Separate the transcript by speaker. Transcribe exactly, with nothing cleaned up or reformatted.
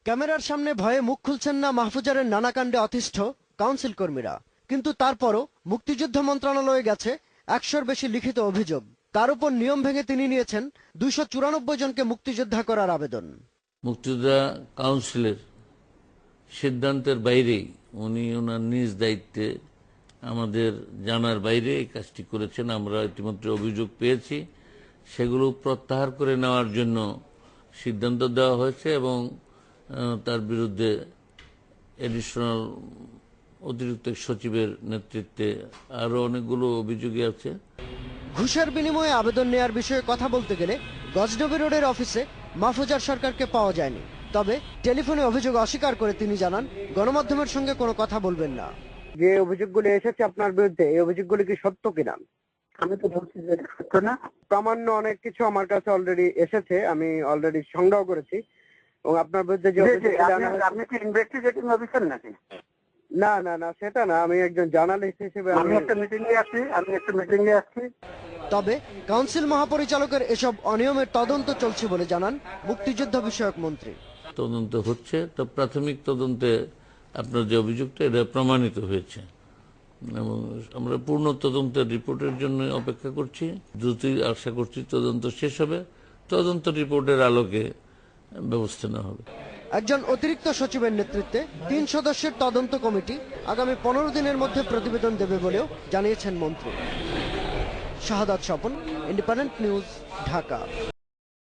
Speaker 1: ক্যামেরার সামনে ভয়ে মুখ খুলছেন না মাহফুজারের নানা কাণ্ডে অতিষ্ঠ কাউন্সিল কর্মীরা, কিন্তু তারপরও মুক্তিযুদ্ধ মন্ত্রণালয়ে গেছে একশোর বেশি লিখিত অভিযোগ। তার উপর নিয়ম ভেঙে তিনি নিয়েছেন দুইশো চুরানব্বই জনকে মুক্তিযোদ্ধা করার আবেদন।
Speaker 2: মুক্তিযোদ্ধা কাউন্সিলের সিদ্ধান্তের বাইরেই উনি ওনার নিজ দায়িত্বে আমাদের জানার বাইরে এই কাজটি করেছেন। আমরা ইতিমধ্যে অভিযোগ পেয়েছি, সেগুলো প্রত্যাহার করে নেওয়ার জন্য সিদ্ধান্ত দেওয়া হয়েছে এবং তার বিরুদ্ধে এডিশনাল অতিরিক্ত সচিবের নেতৃত্বে আরো অনেকগুলো অভিযোগই আছে।
Speaker 1: ঘুষের বিনিময়ে আবেদন নেয়ার বিষয়ে কথা বলতে গেলে গজনবী রোডের অফিসে মাহফুজার সরকারকে পাওয়া যায়নি। তবে টেলিফোনে অভিযোগ অস্বীকার করে তিনি জানান গণমাধ্যমের সঙ্গে কোনো কথা বলবেন না।
Speaker 3: যে অভিযোগগুলো এসেছে আপনার বিরুদ্ধে, এই অভিযোগগুলো কি সত্য কিনা?
Speaker 4: আমি তো বলছি যে এটা সত্য না।
Speaker 3: প্রামাণ্য অনেক কিছু আমার কাছে অলরেডি এসেছে, আমি অলরেডি সংগ্রহ করেছি। এবং আপনার বিরুদ্ধে যে
Speaker 4: আপনি কি ইনভেস্টিগেটিং অফিসার নাকি?
Speaker 3: না না না সেটা না, আমি একজন জার্নালিস্ট হিসেবে
Speaker 4: আমি একটা মিটিং এ আছি আমি একটা মিটিং এ আছি
Speaker 1: তবে কাউন্সিল মহাপরিচালকের এসব অনিয়মের তদন্ত চলছে বলে জানান মুক্তিযুদ্ধ বিষয়ক মন্ত্রী।
Speaker 2: তদন্ত হচ্ছে, তো প্রাথমিক তদন্তে আপনার যে অভিযোগটা এটা প্রমাণিত হয়েছে এবং আমরা পূর্ণ তদন্তের রিপোর্টের জন্য অপেক্ষা করছি। দ্রুতই আশা করছি তদন্ত শেষ হবে, তদন্ত রিপোর্টের আলোকে ব্যবস্থা নেওয়া হবে।
Speaker 1: একজন অতিরিক্ত সচিবের নেতৃত্বে তিন সদস্যের তদন্ত কমিটি আগামী পনেরো দিনের মধ্যে প্রতিবেদন দেবে বলেও জানিয়েছেন মন্ত্রী। Shahadat Swapan, independent news, Dhaka.